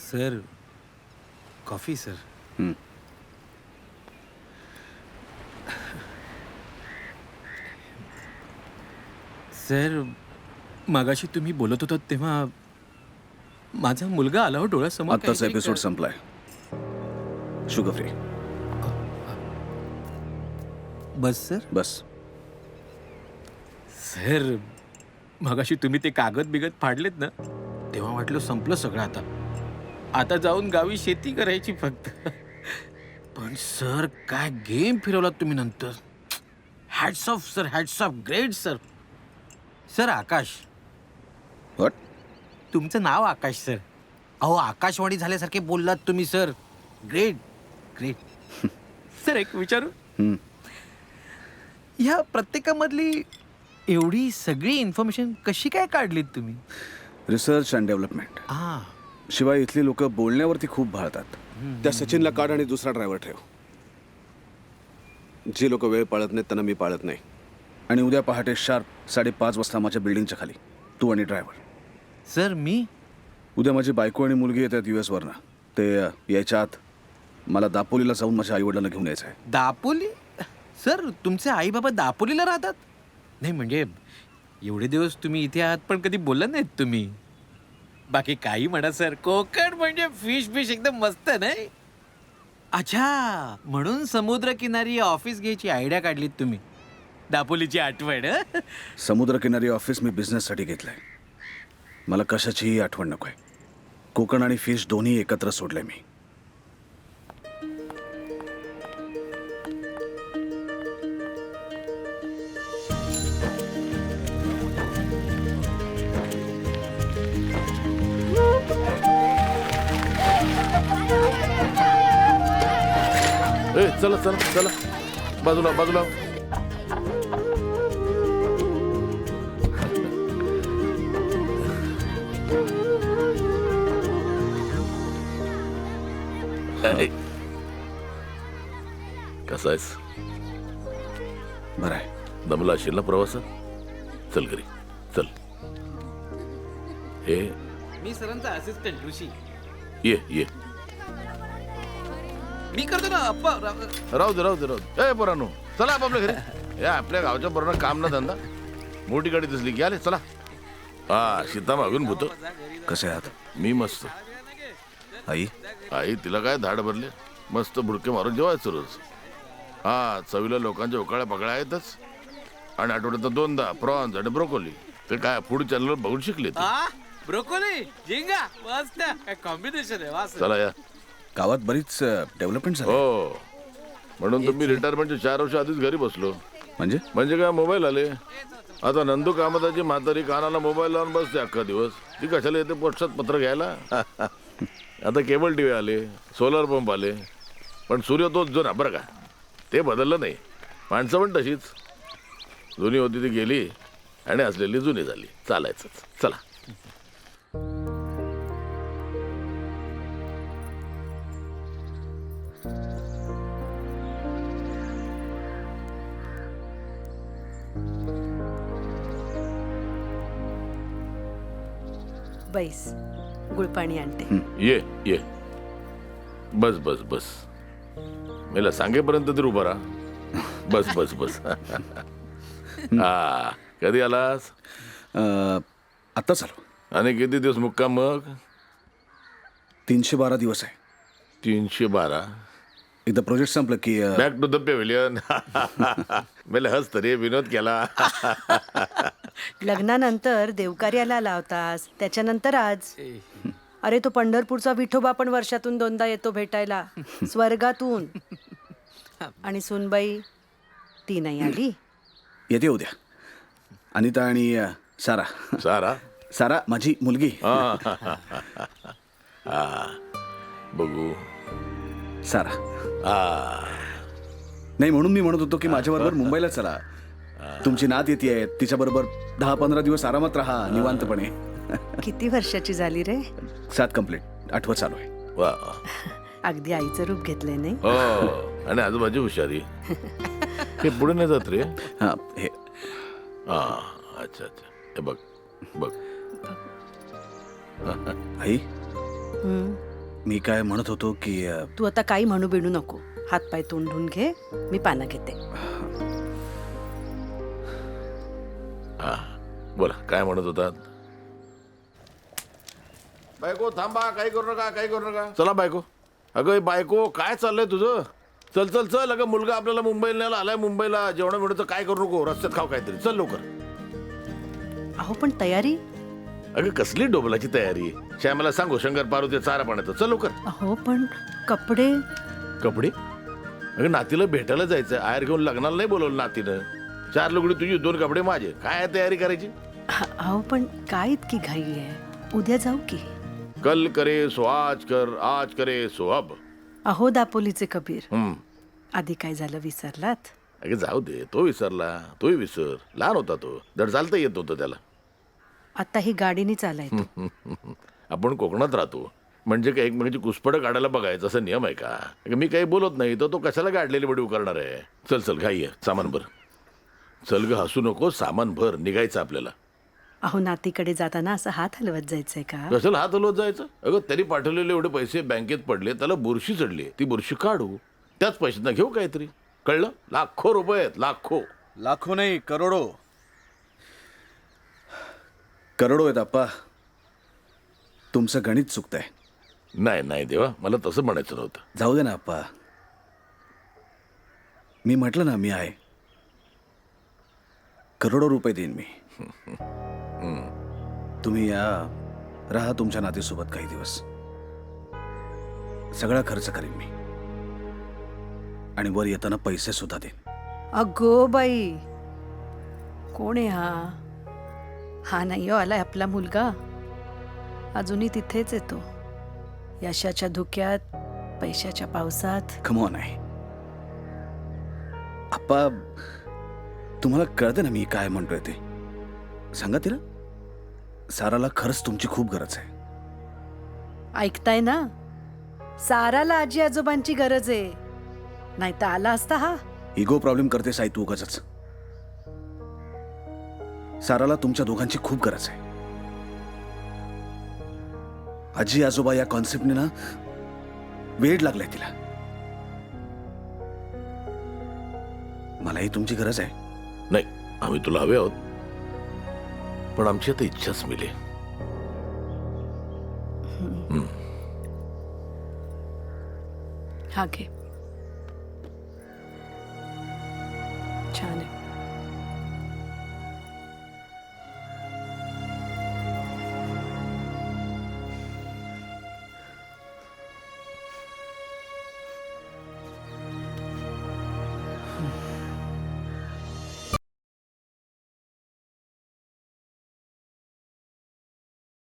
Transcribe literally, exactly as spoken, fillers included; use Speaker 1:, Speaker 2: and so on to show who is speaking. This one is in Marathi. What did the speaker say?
Speaker 1: Sir coffee sir.
Speaker 2: हं.
Speaker 1: सर मगाशी तुम्ही बोलत होतात तेव्हा माझा मुलगा आला हो डोळ्यासमोर.
Speaker 2: आत्ताच एपिसोड संपलाय. Sugar free.
Speaker 1: बस सर.
Speaker 2: बस.
Speaker 1: सर मगाशी तुम्ही ते कागद बिगद फाडलेत ना तेव्हा वाटलं संपलं सगळं. आता आता जाऊन गावी शेती करायची फक्त. पण सर काय गेम फिरवलात तुम्ही नंतर. Hats off sir, hats off. Great sir. Sir Akash.
Speaker 2: What?
Speaker 1: तुमचं नाव आकाश सर. अहो आकाशवाणी झाल्यासारखे बोललात तुम्ही सर. Great great. सर एक विचारू.
Speaker 2: हं.
Speaker 1: ह्या प्रत्येकामधली एवढी सगळी इन्फॉर्मेशन कशी काय काढलीत तुम्ही.
Speaker 2: Research and development.
Speaker 1: हां.
Speaker 2: शिवाय इथली लोक बोलण्यावरती खूप भाळतात. त्या सचिनला काढ आणि दुसरा ड्रायव्हर ठेव. जी लोक वेळ पाळत नाहीत त्यांना मी पाळत नाही. आणि उद्या पहाटे शार्प साडेपाच वाजता माझ्या बिल्डिंगच्या खाली तू आणि ड्रायव्हर.
Speaker 1: सर मी.
Speaker 2: उद्या माझी बायको आणि मुलगी येतात यू एस वरनं. ते अ, यायच्या आत मला दापोलीला जाऊन माझ्या आईवडिलांना घेऊन यायचं आहे.
Speaker 1: दापोली. सर तुमचे आई बाबा दापोलीला राहतात. नाही म्हणजे एवढे दिवस तुम्ही इथे आहात पण कधी बोलला नाहीत तुम्ही. बाकी काही म्हणा सर, कोकण म्हणजे फिश फिश एकदम मस्त नाही. अच्छा म्हणून समुद्रकिनारी ऑफिस घ्यायची आयडिया काढलीत तुम्ही. दापोलीची आठवण. हं?
Speaker 2: समुद्रकिनारी ऑफिस मी बिझनेससाठी घेतलंय. मला कशाचीही आठवण नको आहे. कोकण आणि फिश दोन्ही एकत्र सोडले मी.
Speaker 3: ए चला चला चला बाजूला बाजूला. कसा आहेस.
Speaker 2: बरं आहे.
Speaker 3: दमला असेल ना प्रवासात. चल घरी चल. हे
Speaker 1: मी सरांचा असिस्टंट ऋषी.
Speaker 3: ये ये.
Speaker 1: मी करतो ना अप्पा.
Speaker 3: राहू दे राहू दे राहू दे. ए पोरांनो चला आपापल्या घरी. या आपल्या गावच्या पोरांना काम ना धंदा. मोठी गाडी दिसली की आले चला. हा सीता मागून भूत.
Speaker 2: कसे आहात.
Speaker 3: मी मस्त.
Speaker 2: आई.
Speaker 3: आई तिला काय धाड भरले. मस्त बुडके मारून जेवायचं रोज. हा चवीला लोकांच्या उकाळ्या पकड्या आहेतच. आणि आठवड्यात दोनदा प्रॉन्स आणि ब्रोकोली. ते काय फूड चॅनलवर बघून शिकले ते.
Speaker 1: ब्रोकोली झिंगा मस्त काय कॉम्बिनेशन आहे. वास.
Speaker 3: चला या.
Speaker 2: गावात बरीच डेव्हलपमेंट झाली.
Speaker 3: हो म्हणून तुम्ही रिटायरमेंटच्या चार वर्ष आधीच घरी बसलो.
Speaker 2: म्हणजे
Speaker 3: म्हणजे काय मोबाईल आले. आता नंदू कामताची म्हातारी कानाला मोबाईल लावून बसते अख्खा दिवस. ती कशाला येते पोस्टात पत्र घ्यायला. आता केबल टी व्ही आले, सोलर पंप आले. पण सूर्य तोच जुना बरं का. ते बदललं नाही. माणसं पण तशीच. जुनी होती ती गेली आणि असलेली जुनी झाली. चालायचंच. चला.
Speaker 4: बैस गुळपाणी आणते.
Speaker 3: ये ये. बस बस बस. मला सांगेपर्यंत तरी उभा राहा. बस बस बस. हा कधी आलास.
Speaker 2: आत्ताच आलो.
Speaker 3: आणि किती दिवस मुक्काम मग.
Speaker 2: तीनशे बारा दिवस आहे.
Speaker 3: तीनशे बारा.
Speaker 2: एकदा प्रोजेक्ट संपलं की अ,
Speaker 3: बॅक टू द पेव्हिलियन. मला हस तरी विनोद केला.
Speaker 4: लग्नानंतर देवकार्याला लावतास त्याच्यानंतर आज. अरे तो पंढरपूरचा विठोबा पण वर्षातून दोनदा येतो भेटायला स्वर्गातून. आणि सुनबाई ती नाही आली.
Speaker 2: येते उद्या. अनिता आणि अ, सारा.
Speaker 3: सारा.
Speaker 2: सारा माझी मुलगी.
Speaker 3: हा बघू.
Speaker 2: सारा.
Speaker 3: हा
Speaker 2: नाही म्हणून मी म्हणत होतो की माझ्याबरोबर मुंबईला चला. तुमची नात येते. तिच्याबरोबर दहा पंधरा दिवस आरामात राहा निवांतपणे.
Speaker 4: किती वर्षाची झाली रे.
Speaker 2: सात कंप्लीट. आठवत चालू आहे.
Speaker 3: वा.
Speaker 4: अगदी आईचं रूप घेतलंय नाही.
Speaker 3: हो आणि आजूबाजू हुशारी. हे पुढे नाही जात रे.
Speaker 2: हा हे
Speaker 3: हा अच्छा अच्छा. हे बघ बघ.
Speaker 2: आई
Speaker 4: हम्म.
Speaker 2: मी काय म्हणत होतो की अ,
Speaker 4: तू आता काही म्हणू बिणू नको. हातपाय तोंड धुवून घे, मी पानं घेते.
Speaker 3: हा बोला काय म्हणत होतात. बायको थांबा, काही करू नका, काही करू नका. चला बायको. अगं ए बायको, काय चाललंय तुझं? चल चल चल. अगं मुलगा आपल्याला मुंबईला न्यायला आलाय. मुंबईला जेवणा मिळतं, काय करू नको, रस्त्यात खाऊ काहीतरी. चल लवकर.
Speaker 4: अहो पण तयारी.
Speaker 3: अगं कसली डोबलाची तयारी. श्यामाला सांगू शंकर पार्वती चारा पाण्याचं. चल लवकर.
Speaker 4: अहो पण कपडे.
Speaker 3: कपडे. अगं नातीला भेटायला जायचं. आयर घेऊन लग्नाला नाही बोलवलं नातीनं. चार लुगडी तुझी, दोन कपडे माझे. काय आहे तयारी करायची.
Speaker 4: अहो पण काय इतकी घाई आहे. उद्या जाऊ की.
Speaker 3: कल करे सो आज कर, आज करे सो अब.
Speaker 4: अहो दापोलीचे कबीर,
Speaker 3: हम्म.
Speaker 4: आधी काय झालं विसरलात?
Speaker 3: अगं जाऊ दे. तो विसरला, तोही विसर. लहान होता तो. धड चालता येत नव्हतं त्याला.
Speaker 4: आता ही गाडीने चालायचं.
Speaker 3: आपण कोकणात राहतो म्हणजे काय एकमेकांची कुसपडं काढायला बघायचं असं नियम आहे का. अगं मी काही बोलत नाही तर तो कशाला गाडलेली बडीव करणार आहे. चल चल घाई आहे. सामान भर. चल ग, हसू नको. सामान भर. निघायचं आपल्याला.
Speaker 4: अहो नातीकडे जाताना असं हात हलवत जायचंय का?
Speaker 3: कशाला हात हलवत जायचं. अगं त्यांनी पाठवलेले एवढे पैसे बँकेत पडले, त्याला बुरशी चढली. ती बुरशी काढू. त्याच पैशांना घेऊ काहीतरी. कळलं. लाखो रुपये आहेत. लाखो.
Speaker 2: लाखो नाही, करोडो. करोडो आहेत आप्पा. तुमचं गणित चुकतंय.
Speaker 3: नाही नाही देवा, मला तसं म्हणायचं नव्हतं.
Speaker 2: जाऊ दे ना आप्पा. मी म्हटलं ना मी आहे. करोडो रुपये देईन मी. तुम्ही या, राहा तुमच्या नातीसोबत काही दिवस. सगळा खर्च करीन मी. आणि वर येताना पैसे सुद्धा देईन.
Speaker 4: अगो बाई, कोण आहे हा? हा नाही हो आलाय आपला मुलगा. अजूनही तिथेच येतो. यशाच्या धुक्यात, पैशाच्या पावसात.
Speaker 2: कमॉन आहे आप्पा. तुम्हाला कळते ना मी काय म्हणतोय ते. सांगा तिला, साराला खरंच तुमची खूप गरज आहे.
Speaker 4: ऐकताय ना? साराला आजी आजोबांची गरज आहे. नाही तर आला असता हा.
Speaker 2: इगो प्रॉब्लेम करते साई तू उगाचच. साराला तुमच्या दोघांची खूप गरज आहे. आजी आजोबा या कॉन्सेप्टने ना वेड लागलाय तिला. मलाही तुमची गरज आहे.
Speaker 3: नाही, आम्ही तुला हवे आहोत, पण आमची आता इच्छाच मिली.
Speaker 4: हा घे. छान आहे.